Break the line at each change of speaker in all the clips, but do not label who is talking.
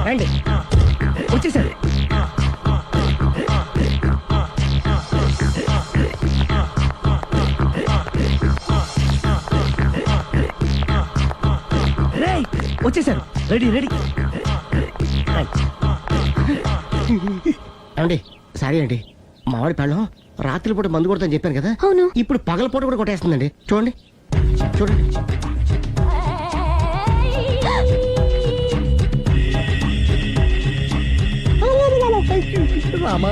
రండి వచ్చేసారు. వచ్చేసారు. రెడీ రెడీ అండి. సారీ అండి, మామిడి పళ్ళం రాత్రిపూట మందు కొడతాను చెప్పాను కదా.
అవును.
ఇప్పుడు పగలపూట కూడా కొట్టేస్తుందండి. చూడండి చూడండి. రామా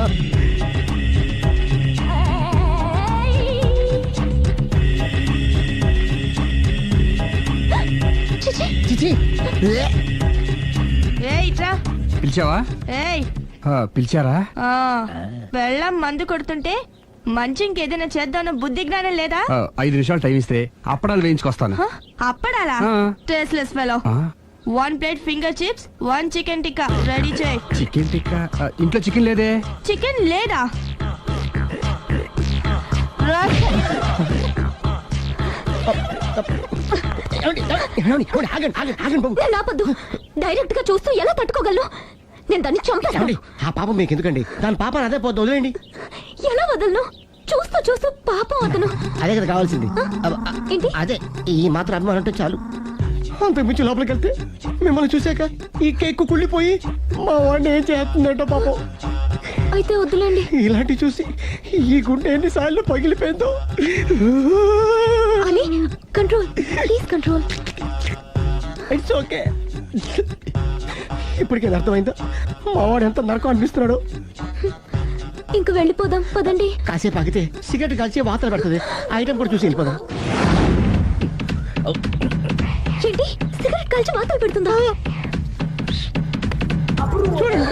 చిచి
పిలిచావా? పిలిచారా?
వెళ్ళం మందు కొడుతుంటే మంచి ఇంకేదైనా చేద్దామన్న బుద్ధి జ్ఞానం లేదా?
5 నిమిషాలు టైం ఇస్తే అప్పడాలు వేయించుకొస్తాను.
అప్పడాలా? Tasteless fellow. 1 plate finger chips, 1 chicken tikka ready చేయి.
చికెన్ టిక్కా? ఇంట్లో చికెన్ లేదే.
చికెన్ లేదా? నాపద్దు. డైరెక్ట్ గా చూస్తూ ఎలా తట్టుకోగలను? నేను దాన్ని చంపాను.
ఆ పాపం మీకు ఎందుకండి? దాని పాప అదే పోతుంది, వదిలేండి.
ఎలా వదలను? చూస్తూ చూస్తూ పాపం అతను.
అదే కదా కావాల్సింది.
ఏంటి?
అదే ఈ మాత్రం అభిమానం అంటే చాలు. అంతకు మించి లోపలికి వెళ్తే మిమ్మల్ని చూసాక ఈ కేక్ కుళ్ళిపోయి మా వాడిని ఏం చేస్తుందంటో పాపం.
అయితే వద్దులేండి.
ఇలాంటి చూసి ఈ గుండె ఎన్నిసార్లు పగిలిపోయిందో.
అని control, please control.
It's okay. ఇప్పటికే అర్థమైందా మా వాడు ఎంత నరకం అనిపిస్తున్నాడు?
ఇంక వెళ్ళిపోదాం పదండి.
కాసేపు ఆగితే సిగరెట్ కాల్చి వాతలు పడుతుంది. ఐటమ్ కూడా చూసి వెళ్ళిపోదాం.
ఏంటి సిగరెట్ కాల్చి వాతలు పెడుతుందా?
చూడండి.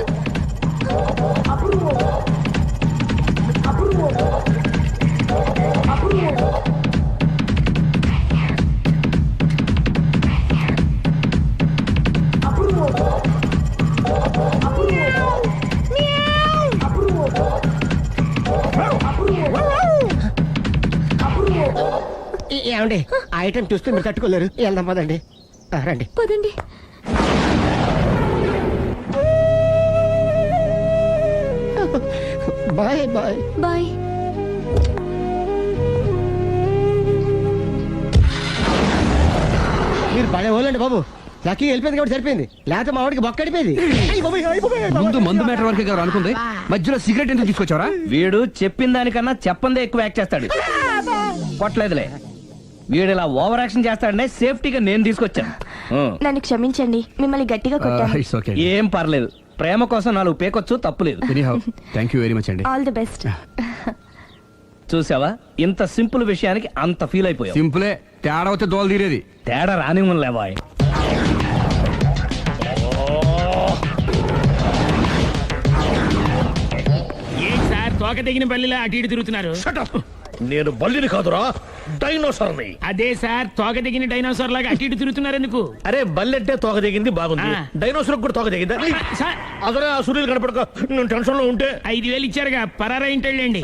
ఏమండి ఆ ఐటమ్ చూస్తే మీరు తట్టుకోలేరు. వెళ్దాం పదండి. రండి
పదండి.
Bye bye
bye.
మీరు పడే వాళ్ళండి బాబు. లక్కీ వెళ్ళిపోయింది కాబట్టి సరిపోయింది, లేకపోతే మా వాడికి బొక్క అడిపోయింది.
ముందు మందు మ్యాటర్ వరకే కదా అనుకుంది, మధ్యలో సిగరెట్ ఎందుకు తీసుకొచ్చావరా?
వీడు చెప్పిన దానికన్నా చెప్పందే ఎక్కువ యాక్ట్ చేస్తాడు. కొట్టలేదులే, వీడు ఇలా ఓవర్ యాక్షన్ చేస్తాడనే సేఫ్టీగా నేను తీసుకొచ్చాను.
నన్ను క్షమించండి, మిమ్మల్ని గట్టిగా కొట్టాను.
It's okay.
ఏం పర్లేదు, ప్రేమ కోసం 4 పేకొచ్చు, తప్పులేదు.
ఎనీహౌ థాంక్యూ వెరీ మచ్ అండి.
All the best.
చూసావా, ఇంత సింపుల్ విషయానికి అంత ఫీల్ అయిపోయావు.
సింపులే, తేడా వస్తే దోలు తీరేది.
తేడా రాని లేవాయ్.
తోక తెగిన బల్లిలా అటు ఇటు తిరుగుతున్నారు.
నేను బల్లిని కాదురా, డైనోసార్ని.
అదే సార్, తోక తెగిన డైనోసార్ లాగా అటు ఇటు తిరుగుతున్నారు ఎందుకు?
అరే బల్లెట్టే తోక తెగింది బాగుంది, డైనోసార్ కూడా తోక తెగిందా?
సార్
అదరే ఆ సూర్యులు కనపడక నేను టెన్షన్ లో ఉంటే
5,000 ఇచ్చారుగా, పరారా ఇంటండి.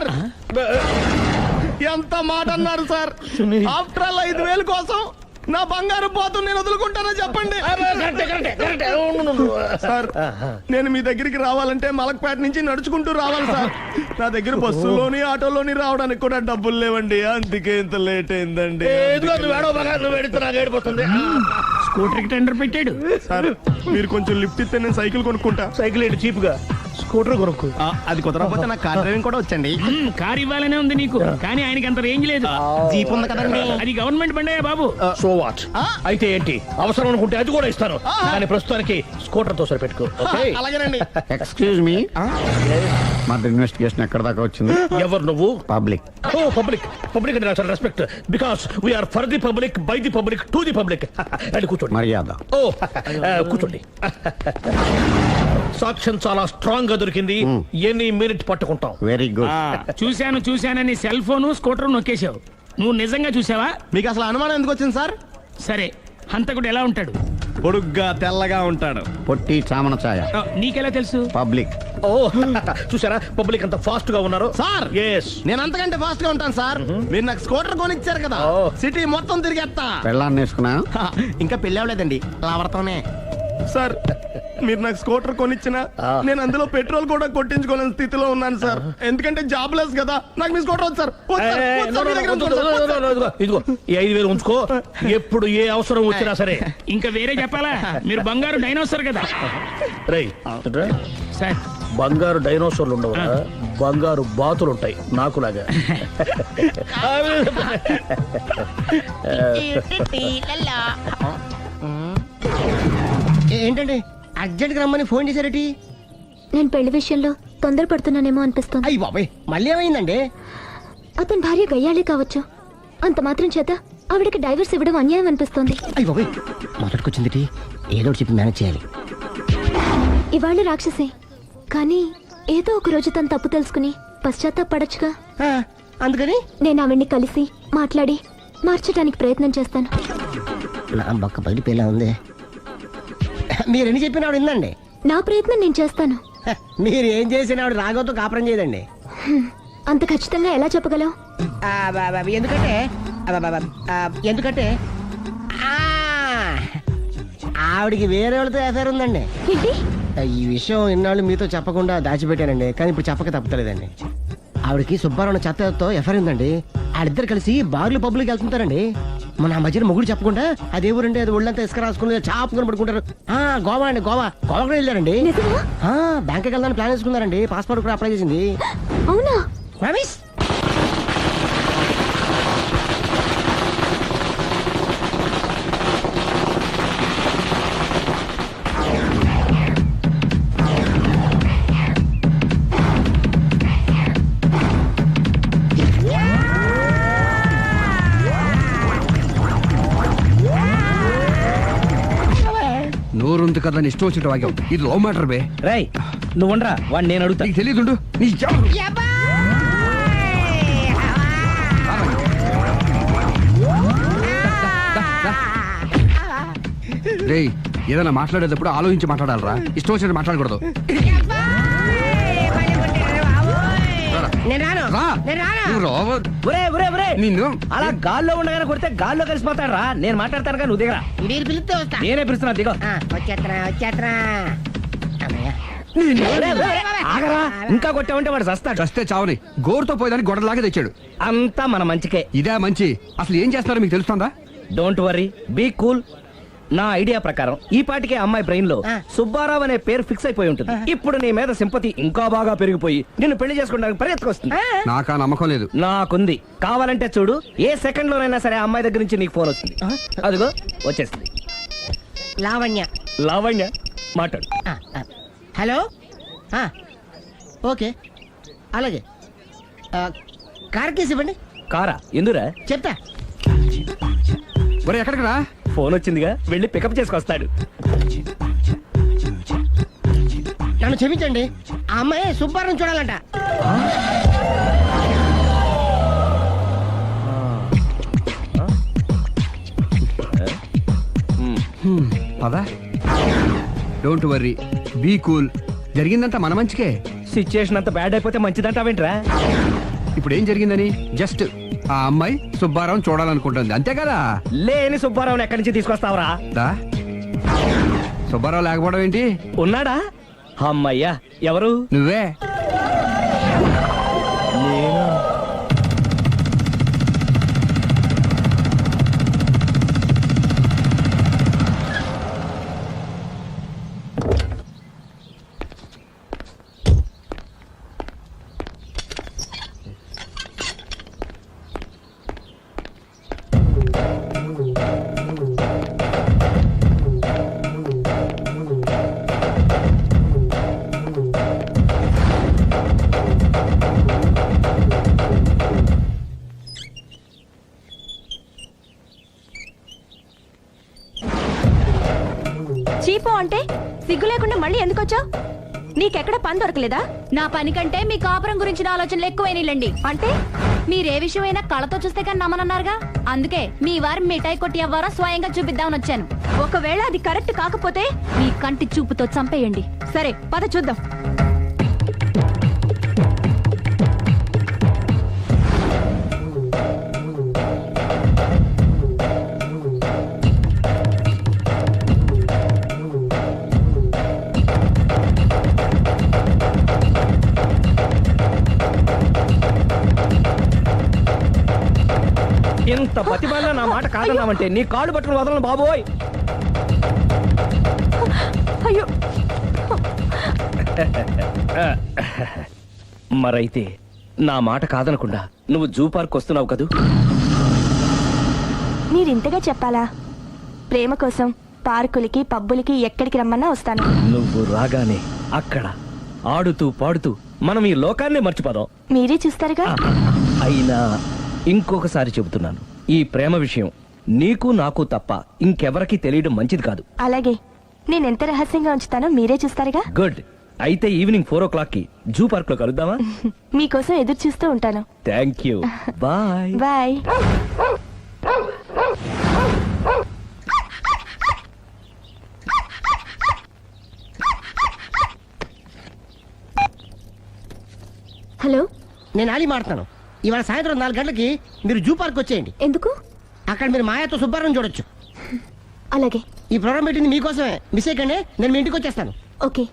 ఎంత మాట అన్నారు సార్? ఆఫ్టర్ ఆల్ 5,000 కోసం నా బంగారు పోతు నేను వదులుకుంటానని చెప్పండి సార్. నేను మీ దగ్గరికి రావాలంటే మలక్పేట నుంచి నడుచుకుంటూ రావాలి సార్. నా దగ్గర బస్సులోని ఆటోలోని రావడానికి కూడా డబ్బులు లేవండి, అందుకే ఇంత లేట్ అయిందండి.
స్కూటర్ కి టెండర్ పెట్టాడు
సార్. మీరు కొంచెం లిఫ్ట్ ఇస్తే నేను సైకిల్ కొనుక్కుంటా. సైకిల్ ఏంటి చీప్ గా, స్కూటర్ కొనుక్కు.
అది కుదరకపోతే నాకు కార్ డ్రైవింగ్ కూడా వచ్చండి.
కార్ ఇవ్వాలనే ఉంది నీకు, కానీ ఆయనకి అంత రేంజ్ లేదు.
జీప్ ఉంది కదండి.
అది గవర్నమెంట్ బండే బాబు.
So what? అయితే ఏంటి, అవసరం అనుకుంటే అది కూడా ఇస్తాను, కానీ ప్రస్తుతానికి స్కూటర్ తో సరిపెట్టుకో.
అలాగేనండి.
ఎక్స్క్యూజ్ మీ, మా ఇన్వెస్టిగేషన్ ఎక్కడ దాకా వచ్చింది?
ఎవరు నువ్వు?
పబ్లిక్.
ఓ పబ్లిక్. పబ్లిక్ అంటే చాలా respect, because we are for the public, by the public, to the public. అని కూర్చోండి.
మర్యాద.
ఓ కూర్చోండి. సాక్ష్యం చాలా స్ట్రాంగ్ గా దొరికింది, ఎన్ని మినిట్ పట్టుకుంటాం.
Very good.
చూశానని సెల్ ఫోను స్కూటర్ నొక్కేశావు. నువ్వు నిజంగా చూసావా?
మీకు అసలు అనుమానం ఎందుకు వచ్చింది సార్?
సరే, హంతకుడు ఎలా ఉంటాడు?
పొడుగ్గా తెల్లగా ఉంటాడు.
పొట్టి చామన ఛాయ.
నీకెలా తెలుసు?
పబ్లిక్.
ఓ చూసారా పబ్లిక్ అంత ఫాస్ట్ గా ఉన్నారు
సార్.
ఎస్,
నేను అంతకంటే ఫాస్ట్ గా ఉంటాను సార్. మీరు నాకు స్కూటర్ కొనిచ్చారు కదా, సిటీ మొత్తం తిరిగేస్తా.
పెళ్ళాన్ని వేసుకున్నా?
ఇంకా పెళ్ళి అవ్వలేదండి, లావర్తోనే.
సార్ మీరు నాకు స్కూటర్ కొనిచ్చిన నేను అందులో పెట్రోల్ కూడా కొట్టించుకోలేని స్థితిలో ఉన్నాను సార్. ఎందుకంటే జాబ్ లెస్ కదా. నాకు మీ స్కూటర్ వద్దు సార్. వద్దు సార్. వద్దు సార్. మీ దగ్గర ఉంచుకోండి సార్. వద్దు సార్.
ఇదిగో ఈ 5,000 ఉంచుకో, ఎప్పుడు ఏ అవసరం వచ్చినా సరే.
ఇంకా వేరే చెప్పాలా? మీరు బంగారు డైనోసర్ కదా
రేయ్
సార్.
బంగారు డైనోసార్లు ఉండవు, బంగారు బాతులు ఉంటాయి నాకులాగా.
ఏంటండి అర్జెంట్ గా రమ్మని ఫోన్ చేశారటి?
నేను పెళ్లి విషయంలో తొందరపడుతున్నానేమో అనిపిస్తుంది.
అయ్యి బాబాయ్ మళ్ళీ ఏమైందండి?
అతని భార్య గయ్యాళే కావచ్చు, అంత మాత్రం చేత ఆవిడకి డైవర్స్ ఇవ్వడం అన్యాయం అనిపిస్తోంది.
అయ్యి బాబాయ్ మొదటికొచ్చింది ఏదో ఒకటి చెప్పి మేనేజ్ చేయాలి.
ఇవాళ రాక్షసే, కానీ ఏదో ఒక రోజు తను తప్పు తెలుసుకుని పశ్చాత్తాపడొచ్చుగా.
ఆ, అందుకని
నేను ఆవిడ్ని కలిసి మాట్లాడి మార్చడానికి ప్రయత్నం చేస్తాను.
నా బక్క పగిలిపోయేలా ఉంది. మీరు ఎన్ని చెప్పిన ఆవిడ ఉందండి.
నా ప్రయత్నం నేను చేస్తాను.
మీరు ఏం చేసిన ఆవిడ రాగోతో కాపురం చేయదండి.
అంత ఖచ్చితంగా ఎలా చెప్పగలవు?
ఎందుకంటే ఎందుకంటే ఆవిడికి వేరే వాళ్ళతో ఎఫైర్ ఉందండి.
ఏంటి?
ఈ విషయం ఇన్నాళ్ళు మీతో చెప్పకుండా దాచిపెట్టానండి, కానీ ఇప్పుడు చెప్పక తప్పలేదండి. ఆవిడకి సుబ్బారావు చెత్తతో ఎఫైర్ ఉందండి. వాళ్ళిద్దరు కలిసి బార్లు పబ్లిక్ వెళ్తుంటారండి. మన ఆ మధ్యన మొగుడు చెప్పకుండా అదే ఊరండి, అది ఒళ్ళంతా ఇసుక రాసుకుని చాపుకొని పడుకుంటారు. గోవా అండి, గోవా కూడా వెళ్ళారండి.
నిజమా?
బ్యాంక్కి వెళ్దాని ప్లాన్ వేసుకున్నారండి. పాస్పోర్ట్ కూడా అప్లై చేసింది.
అవునా?
రమేష్
నోరుంది కదా ఇష్టం వచ్చినట్టు వాగావు. ఇది లవ్ మ్యాటర్ బే.
రేయ్ నువ్వు ఉండరా, వాడిని నేను అడుగుతా.
నీకు తెలియదుండు నీ జాబ్. రేయ్ ఏదైనా మాట్లాడేటప్పుడు ఆలోచించి మాట్లాడాలరా, ఇష్టం వచ్చినట్టు మాట్లాడకూడదు. రా. నువ్వు రావ- నిన్ను
అలా గాల్లో ఉండగానే కొడితే గాల్లో కలిసిపోతాడు రా. నేను మాట్లాడతాను కానీ నువ్వు దిగరా.
మీరు పిలిస్తే వస్తా.
నేనే పిలుస్తున్నా, దిగో.
వచ్చేత్తరా
ఆగరా, ఇంకా కొట్టావంటే వాడు చస్తాడు.
చస్తే చావని గోరుతో పోయేదాన్ని గొడవలాగా తెచ్చాడు.
అంతా మన మంచికే.
ఇదే మంచి. అసలు ఏం చేస్తారో మీకు తెలుస్తుందా?
Don't worry, be cool. నా ఐడియా ప్రకారం ఈ పాటికే అమ్మాయి బ్రెయిన్ లో సుబ్బారావు అనే పేరు ఫిక్స్ అయిపోయి ఉంటుంది. ఇప్పుడు నీ మీద సింపతి ఇంకా బాగా పెరిగిపోయి నిన్ను పెళ్లి చేసుకోవడానికి పరిగెత్తుకొస్తుంది.
నాకా నమ్మకం లేదు.
నాకుంది. కావాలంటే చూడు, ఏ సెకండ్ లోనైనా సరే ఆ అమ్మాయి దగ్గర నుంచి నీకు ఫోన్ వస్తుంది. అదిగో వచ్చేస్తుంది.
లావణ్య.
లావణ్య మాట్లాడు.
హలో. ఓకే అలాగే. కార్ కేసు ఇవ్వండి.
కారా ఎందురా?
చెప్తా.
మరి ఎక్కడికి రా?
ఫోన్ వచ్చిందిగా, వెళ్ళి పికప్ చేసుకొస్తాడు.
నన్ను క్షమించండి, ఆ అమ్మాయి సుబ్బారావు చూడాలంట.
పదా. Don't worry, be cool. జరిగిందంతా మన మంచికే.
సిచ్యుయేషన్ అంత బ్యాడ్ అయిపోతే మంచిదంటావేంట్రా?
ఇప్పుడు ఏం జరిగిందని జస్ట్ ఆ అమ్మాయి సుబ్బారావు చూడాలనుకుంటుంది, అంతే కదా.
లేని సుబ్బారావుని ఎక్కడి నుంచి తీసుకొస్తావురా?
దా. సుబ్బారావు లేకపోవడం ఏంటి?
ఉన్నాడా? అమ్మయ్యా, ఎవరు?
నువ్వే.
చీపో అంటే సిగ్గు లేకుండా మళ్ళీ ఎందుకు వచ్చావు? నీకెక్కడ పని దొరకలేదా?
నా పని కంటే మీ కాపురం గురించిన ఆలోచనలు ఎక్కువైనాయిలండి.
అంటే
మీరే విషయమైనా కళ్ళతో చూస్తే కానీ నమ్మనన్నారుగా, అందుకే మీ వారి మిఠాయి కొట్టి అవ్వారా స్వయంగా చూపిద్దామని వచ్చాను.
ఒకవేళ అది కరెక్ట్ కాకపోతే
మీ కంటి చూపుతో చంపేయండి.
సరే పద చూద్దాం.
బతిమాలినా నా మాట కాదన్నావంటే నీ కాళ్ళు పట్టుకుని వదలను బాబోయ్.
అయ్యో
మరైతే నా మాట కాదనకుండా నువ్వు జూ పార్క్ వస్తున్నావు కదూ?
మీరింతగా చెప్పాలా? ప్రేమ కోసం పార్కులకి పబ్బులకి ఎక్కడికి రమ్మన్నా వస్తాను.
నువ్వు రాగానే అక్కడ ఆడుతూ పాడుతూ మనం ఈ లోకాన్నే మర్చిపోదాం.
మీరే చూస్తారుగా.
అయినా ఇంకొకసారి చెబుతున్నాను, ఈ ప్రేమ విషయం నీకు నాకు తప్ప ఇంకెవరికి తెలియడం మంచిది కాదు.
అలాగే, నేను ఎంత రహస్యంగా ఉంచుతానో మీరే చూస్తారుగా.
గుడ్. అయితే ఈవినింగ్ 4 o'clock కి జూ పార్క్ లో కలుద్దామా?
మీకోసం ఎదురు చూస్తూ ఉంటాను.
Thank you. Bye.
Bye.
Hello,
నేను అలీ మాట్లాడతాను. ఇవాళ సాయంత్రం 4 గంటలకి మీరు జూ పార్క్ వచ్చేయండి.
ఎందుకు?
అక్కడ మీరు మాయాతో సుబ్బారావు చూడొచ్చు.
అలాగే.
ఈ ప్రోగ్రామ్ పెట్టింది మీకోసమే. మిస్ అయ్యకండి, నేను మీ ఇంటికి వచ్చేస్తాను.
ఓకే.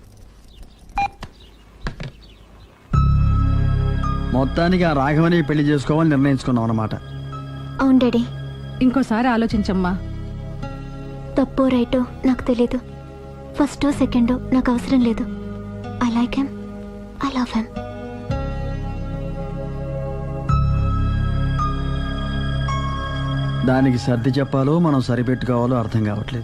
మొత్తానికి ఆ రాఘవని పెళ్లి చేసుకోవాలని నిర్ణయించుకున్నాం అన్నమాట.
అవును డాడీ.
ఇంకోసారి ఆలోచించమ్మా.
తప్పో రైటో నాకు తెలీదు. ఫస్టో సెకండో నాకు అవసరం లేదు. I like him, I love him.
దానికి సర్ది చెప్పాలో మనం సరిపెట్టుకోవాలో అర్థం కావట్లేదు.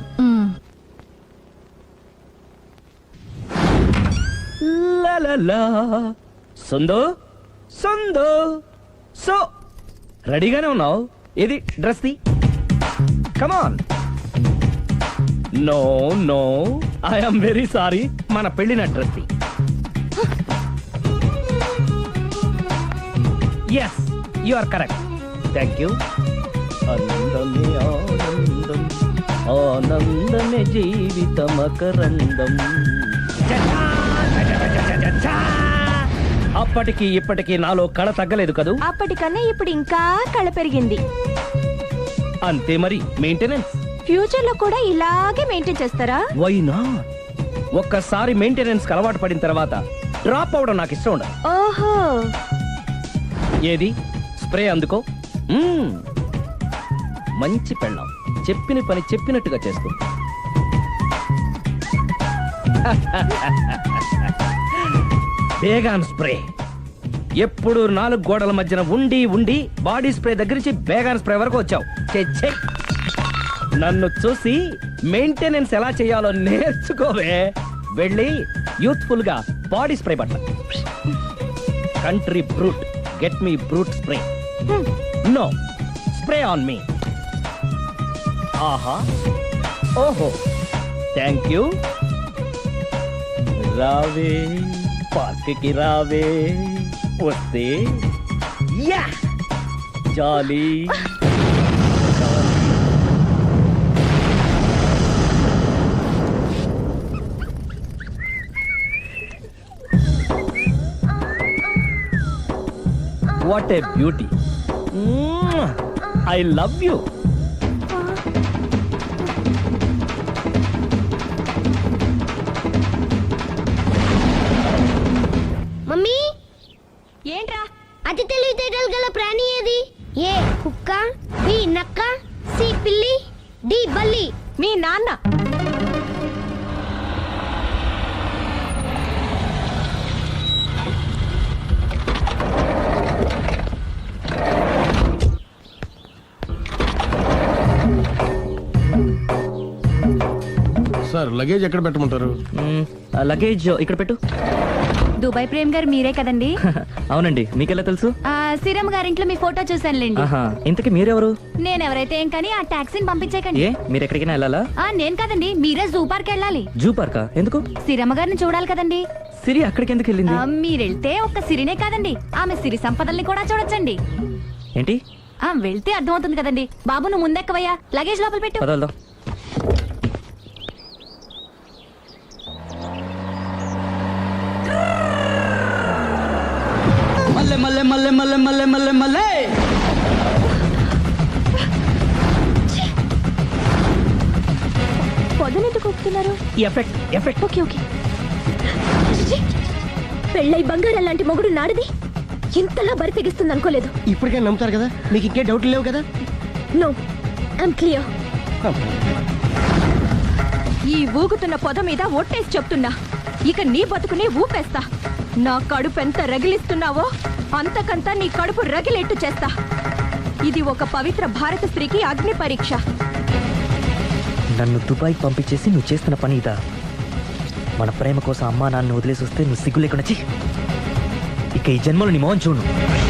లలలా. సందో సందో సో రెడీగానే ఉన్నావు? ఇది డ్రెస్ ది. Come on. No no, I'm very sorry. మన పెళ్లిన డ్రెస్ ది. Yes, you are correct. Thank you. ఆనందమే ఆనందం, ఆనందమే జీవితమకరందం. అప్పటికి ఇప్పటికి నాలో కళ తగ్గలేదు కదూ?
అప్పటికన్నా ఇప్పుడు ఇంకా కళ పెరిగింది.
అంతే మరి. మెయింటెనెన్స్
ఫ్యూచర్ లో కూడా ఇలాగే మెయింటైన్ చేస్తారా?
Why not? ఒక్కసారి మెయింటెనెన్స్ అలవాటు పడిన తర్వాత డ్రాప్ అవడం నాకు ఇష్టం ఉండదు.
ఓహో.
ఏది స్ప్రే అందుకో. మంచి పెళ్ళాం, చెప్పిన పని చెప్పినట్టుగా చేస్తుంది. Baygon spray. ఎప్పుడు 4 గోడల మధ్యన ఉండి ఉండి బాడీ స్ప్రే దగ్గర నుంచి బేగాన్ స్ప్రే వరకు వచ్చావు. ఛే, నన్ను చూసి మెయింటెనెన్స్ ఎలా చేయాలో నేర్చుకోవే. వెళ్ళి యూత్ఫుల్ గా బాడీ స్ప్రే పట్ల. Country Brut, get me Brut spray. No, spray on me. ఆహా, ఓహో, థ్యాంక్ యూ. రావే పార్క్కి రావే, వస్తే యా jolly. What a beauty. I love you.
Mummy,
ఏంట్రా?
అతి తెలివితేటలు గల ప్రాణి ఏది? ఏ కుక్క, బి నక్క, సి పిల్లి, డి బల్లి.
మీ నాన్న.
సార్, లగేజ్ ఎక్కడ పెట్టమంటారు?
లగేజ్ ఇక్కడ పెట్టు.
దుబాయ్ ప్రేమ్ గారు మీరే కదండి?
అవునండి, మీకెలా తెలుసు?
శ్రీరామ్ గారింట్లో మీ ఫోటో చూసానులేండి.
ఇంతకీ మీరెవరు?
నేనెవరైతే ఏం కానీ ఆ టాక్సీని పంపించేకండి.
మీరు ఎక్కడికైనా వెళ్ళాలా?
నేను కదండి, మీరే జూ పార్క్ వెళ్ళాలి.
జూ పార్కా? ఎందుకు?
శ్రీరమ్మ గారిని చూడాలి కదండి.
సిరి అక్కడికి ఎందుకు వెళ్ళింది?
మీరెళ్తే ఒక్క సిరినే కాదండి, ఆమె సిరి సంపదల్ని కూడా చూడొచ్చండి.
ఏంటి?
వెళ్తే అర్థమవుతుంది కదండి. బాబు నువ్వు ముందెక్కవయ్యా, లగేజ్ లోపల పెట్టు.
పదల్దా.
మల్లె మల్లె మల్లె మల్లె మల్లె మల్లె మల్లె.
పొదనెందుకు ఒప్పుతున్నారు?
Effect effect.
Okay okay. పెళ్ళై బంగారం లాంటి మొగుడు నాడిది ఇంతలా బరి తెగిస్తుంది అనుకోలేదు.
ఇప్పటికే నమ్ముతారు కదా, మీకు ఇంకే డౌట్లు లేవు కదా.
No I'm clear.
ఈ ఊగుతున్న పొద మీద ఒట్టేసి చెప్తున్నా, ఇక నీ బతుకునే ఊపేస్తా. నా కడుపు ఎంత రగిలిస్తున్నావో అంతకంతా నీ కడుపు రగిలేట్టు చేస్తా. ఇది ఒక పవిత్ర భారత స్త్రీకి అగ్ని పరీక్ష.
నన్ను దుబాయ్ పంపించేసి నువ్వు చేస్తున్న పని ఇదా? మన ప్రేమ కోసం అమ్మా నాన్న వదిలేసి వస్తే నువ్వు సిగ్గు లేకుండా ఛీ! ఇక ఈ జన్మలో నీ మోహన్ చూడు.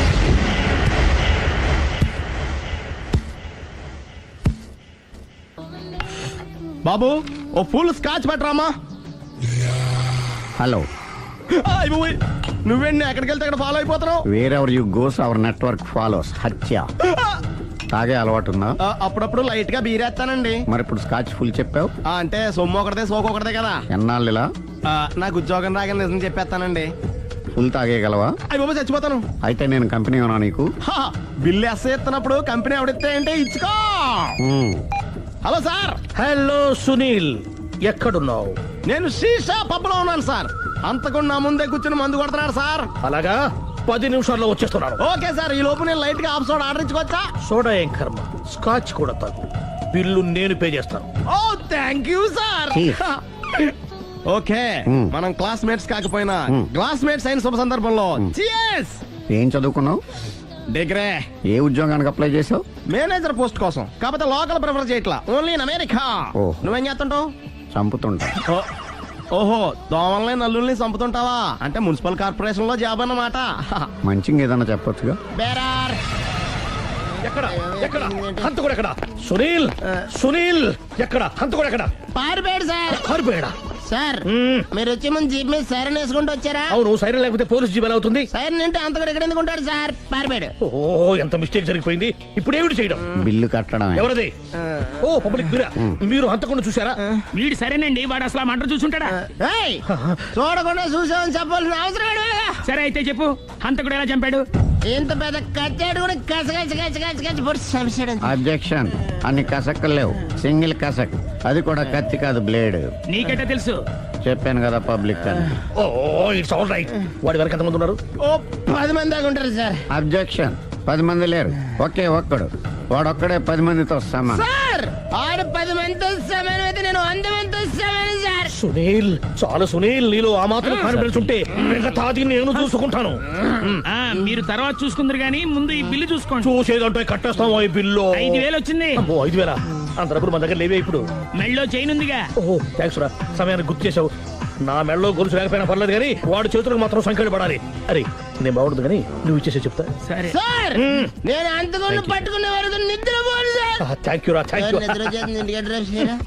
బాబు ఓ ఫుల్ స్కాచ్ పెట్టరామా.
హలో,
నువ్వేంటి ఎక్కడికి వెళ్తే అక్కడ ఫాలో అయిపోతున్నావు?
Wherever you goes our network follows. హత్య. తాగే అలవాటు ఉందా?
అప్పుడప్పుడు లైట్ గా బీరేస్తానండి.
మరి ఇప్పుడు స్కాచ్ ఫుల్ చెప్పావు.
అంటే సొమ్ము ఒకటిదే సోకు ఒకటిదే కదా.
ఎన్నాళ్ళు ఇలా?
నాకు ఉద్యోగం రాగానే నిజం చెప్పేస్తానండి.
ఫుల్ తాగేయగలవా?
అయ్యి బాబు చచ్చిపోతాను.
అయితే నేను కంపెనీ ఉన్నా నీకు.
బిల్లు ఎస్ ఎత్తినప్పుడు కంపెనీ ఎవడిస్తే అంటే ఇచ్చుకో. Hello sir.
హలో సునీల్, ఎక్కడున్నావు?
నేను శీషా పబ్ లో ఉన్నాను సార్. అంతకుండా నా ముందే కూర్చుని మందు కొడుతున్నాడు సార్.
అలాగా, 10 నిమిషాల్లో వచ్చేస్తున్నాను.
Okay sir. ఈ లోపు నేను లైట్ గా హాఫ్ సోడా ఆర్డర్ ఇచ్చుకోవచ్చా?
సోడా ఏం కర్మ, స్కాచ్ కూడా తాగు. బిల్లు నేను పే చేస్తాను.
Oh thank you sir. Okay, మనం క్లాస్మేట్స్ కాకపోయినా క్లాస్మేట్స్ అయిన శుభ సందర్భంలో cheers.
ఏం చదువుకున్నావు?
డిగ్రీ.
ఏ ఉద్యోగానికి అప్లై చేసావు?
మేనేజర్ పోస్ట్ కోసం. కాకపోతే లోకల్ ప్రిఫర్ చేయట్లా, ఓన్లీ ఇన్ అమెరికా. నువ్వేం చేస్తుంటావు?
చంపుతుంటా.
ఓహో, దోమల్ని నల్లుల్ని చంపుతుంటావా? అంటే మున్సిపల్ కార్పొరేషన్ లో జాబ్ అన్నమాట.
మంచిగా ఏదన్నా చెప్పొచ్చుగా.
బేరార్.
ఎక్కడ ఎక్కడ హంతకుడు ఎక్కడ? సునీల్, సునీల్ ఎక్కడ? హంతకుడు ఎక్కడ?
పారిపోయాడు సార్.
పారిపోయాడా?
సార్ మీరు వచ్చే ముందు జీప్ మీద సైరన్ వేసుకుంటూ వచ్చారా?
అవును, సైరన్ లేకపోతే పోలీస్ జీబ్ ఎలా అవుతుంది?
సైరన్ అంటే అంతకుడు ఎక్కడ ఎందుకు ఉంటాడు సార్? పారిపోయాడు.
ఓ, ఎంత మిస్టేక్ జరిగిపోయింది. ఇప్పుడు ఏమిటి చేయడం?
బిల్లు కట్టడం.
ఎవరది? ఓ, పబ్లిక్ మీరా? మీరు హంతకుండా చూసారా?
వీడు సరేనండి, వాడు అసలు ఆ మంట చూసుంటాడా?
చూడకుండా చూసామని చెప్పాల్సిన అవసరం లేదు.
సరే అయితే చెప్పు, హంతకుడు ఎలా చంపాడు?
ఇంత పెద్ద కచ్చాడు కూడా కస.
అబ్జెక్షన్. అన్ని కసక్కలు లేవు, సింగిల్ కసక్. అది కూడా కత్తి కాదు, బ్లేడ్.
నీకెట్టా తెలుసు?
చెప్పాను కదా పబ్లిక్ అని.
Oh, it's all right. వాడి వరకు ఎంతమంది ఉన్నారు?
ఓ 10 మంది దాకా ఉంటారు సార్.
అబ్జెక్షన్. 10 మంది లేరు, ఒకే ఒక్కడు. వాడొక్కడే 10 మందితో సమానం.
సార్ ఆడు 10 మందితో సమానం అయితే నేను 100 మందితో సమానం సార్.
సునీల్, చాలు సునీల్, నీలో ఆ మాత్రం కాన్ఫిడెన్స్ ఉంటే మిగతాది నేను చూసుకుంటాను.
మీరు తర్వాత చూసుకుందరు గానీ ముందు ఈ బిల్లు చూసుకోండి.
చూసేదంటే కట్టేస్తాము ఈ బిల్లు.
5,000 వచ్చింది.
5,000? అంత డబ్బులు మన దగ్గర లేవే ఇప్పుడు.
మెళ్ళో చైన్ ఉందిగా.
ఓహో, థ్యాంక్స్ రా, సమయానికి గుర్తు చేసావు. నా మెడలో గొలుసు లేకపోయినా పర్లేదు కానీ వాడు చేతులకు మాత్రం సంఖ్యలు పడాలి. అరే, నేను బాగుండదు కానీ నువ్వు ఇచ్చేసే చెప్తా.
సరే
సార్ నేను అంతకుండా పట్టుకునే వరకు నిద్రపోను సార్.
థ్యాంక్ యూ రా, థ్యాంక్ యూ.
నిద్ర వచ్చేస్తుంది, ఇంటికి అడ్రస్ చేయరా?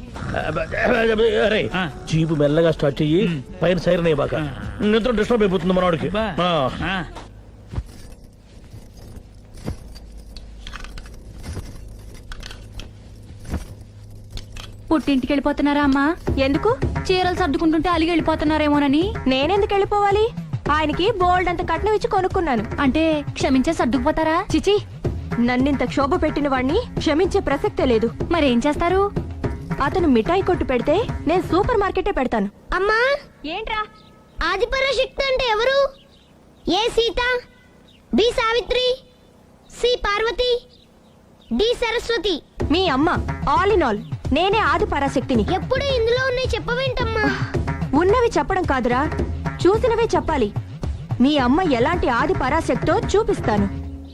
అరే, జీపు మెల్లగా స్టార్ట్ చెయ్యి, పైన సైరన్ అయ్యి బాగా. నిద్ర డిస్టర్బ్ అయిపోతుంది మనవాడికి.
పుట్టింటికి వెళ్ళిపోతున్నారా అమ్మా? ఎందుకు? చీరలు సర్దుకుంటుంటే అలిగి వెళ్ళిపోతున్నారేమోనని. నేనెందుకు వెళ్ళిపోవాలి? ఆయనకి బోల్డ్ అంత కట్నం ఇచ్చి కొనుక్కున్నాను. అంటే క్షమించే సర్దుకుపోతారా? చిచి, నన్నింత క్షోభ పెట్టిన వాడిని క్షమించే ప్రసక్తే లేదు. మరేం చేస్తారు? అతను మిఠాయి కొట్టు పెడితే నేను సూపర్ మార్కెటే పెడతాను.
అమ్మా,
ఏంట్రా?
ఆదిపరాశక్తి అంటే ఎవరు? A Sita, B Savitri, C Parvati, D Saraswati.
మీ అమ్మ. ఆల్ ఇన్ ఆల్ నేనే ఆది పరాశక్తిని.
ఎప్పుడు ఇందులో ఉన్నాయి చెప్పవేంటమ్మా?
ఉన్నవి చెప్పడం కాదురా, చూసినవే చెప్పాలి. మీ అమ్మ ఎలాంటి ఆది పరాశక్తో చూపిస్తాను.